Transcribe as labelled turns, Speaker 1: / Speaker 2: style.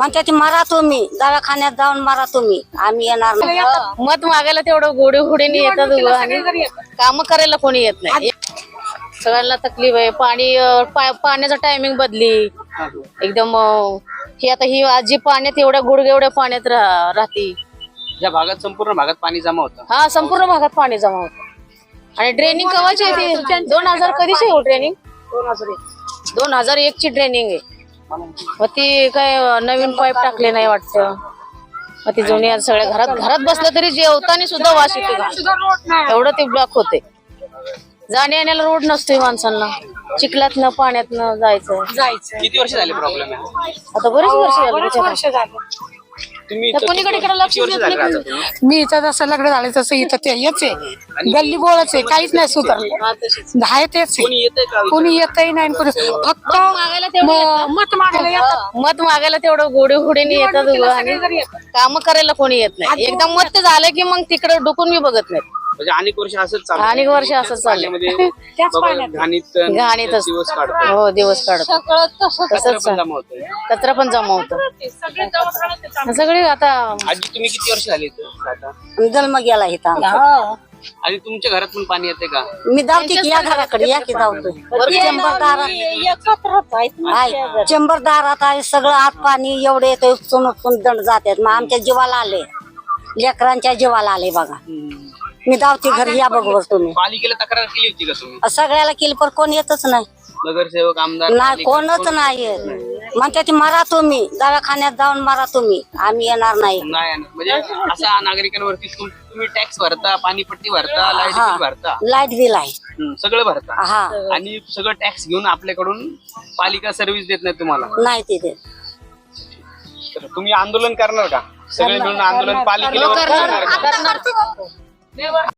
Speaker 1: म्हणते ती मरा तुम्ही, दवाखान्यात जाऊन मरा तुम्ही, आम्ही येणार नाही.
Speaker 2: मत मागायला तेवढं गोडीने येतात आणि काम करायला कोणी येत नाही. सगळ्यांना तकलीफ आहे. पाण्याचा टायमिंग बदली एकदम. ही आता ही आजी पाण्यात एवढ्या गुडघे एवढ्या पाण्यात राहते.
Speaker 3: या भागात संपूर्ण भागात पाणी जमा होतं.
Speaker 2: हा, संपूर्ण भागात पाणी जमा होतं. आणि ड्रेनिंग कवाची आहे ती? 2000 कधीची आहे ड्रेनिंग? 2001 ची ड्रेनिंग आहे. मग ती काय नवीन पाईप टाकले नाही वाटतं. मग ती जुनी सगळ्या घरात बसलं तरी जेवताना सुद्धा वास येते. एवढं ते ब्लॉक होते. जाण्या येण्याला रोड नसतोय माणसांना. चिखलातनं पाण्यातनं जायचं.
Speaker 3: किती वर्ष झाले प्रॉब्लेम आहे?
Speaker 2: आता बरेच वर्ष झाले.
Speaker 3: तुम्ही
Speaker 2: कोणीकडे लक्ष देत नाही.
Speaker 4: मी इथं जसं लग्न झालं तसं इथं ते हेच आहे, गल्ली बोळच आहे, काहीच नाही सुधारलं. आहे तेच कोणी येतही नाही. कोणी फक्त मत मागायला येतात.
Speaker 2: मत मागायला तेवढं गोडीने येतात आणि काम करायला कोणी येत नाही. एकदा मत झालं की मग तिकडे डुकून मी बघत नाही.
Speaker 3: म्हणजे अनेक वर्ष असंच चाललं.
Speaker 2: अनेक वर्ष असंच चाललंय. घाणीतच
Speaker 3: दिवस काढतो.
Speaker 2: हो, दिवस काढतो. तसंच कचरा पण जमा होतो. सगळे आता.
Speaker 3: आजी तुम्ही किती वर्ष झाली इथं आता?
Speaker 1: जन्म गेला इथं.
Speaker 3: आणि तुमच्या घरात पण पाणी येते का?
Speaker 1: मी धावते की या घराकडे, या की धावतोय. चंबर दारात आहे, सगळं आत पाणी एवढे येतं, उपसून दंड जातात. मग आमच्या जीवाला आले, लेकरांच्या जीवाला आले बघा. मी धावते घरी, या बघ तुम्ही.
Speaker 3: पालिकेला तक्रार केली होती का तुम्ही?
Speaker 1: सगळ्याला केली पण कोण येतच नाही.
Speaker 3: नगरसेवक, आमदार
Speaker 1: नाही, कोणच नाही येत. म्हणते ती मरा तुम्ही, दवाखान्यात जाऊन मरा तुम्ही, आम्ही येणार नाही.
Speaker 3: म्हणजे असा नागरिकांवरती तुम्ही टॅक्स भरता, पाणीपट्टी भरता, लाईट बिल भरता.
Speaker 1: लाईट बिल आहे,
Speaker 3: सगळं भरता.
Speaker 1: हा.
Speaker 3: आणि सगळं टॅक्स घेऊन आपल्याकडून पालिका सर्व्हिस देत नाही तुम्हाला.
Speaker 1: नाही तिथे.
Speaker 3: तर तुम्ही आंदोलन करणार का? सगळे मिळून आंदोलन पालिकेला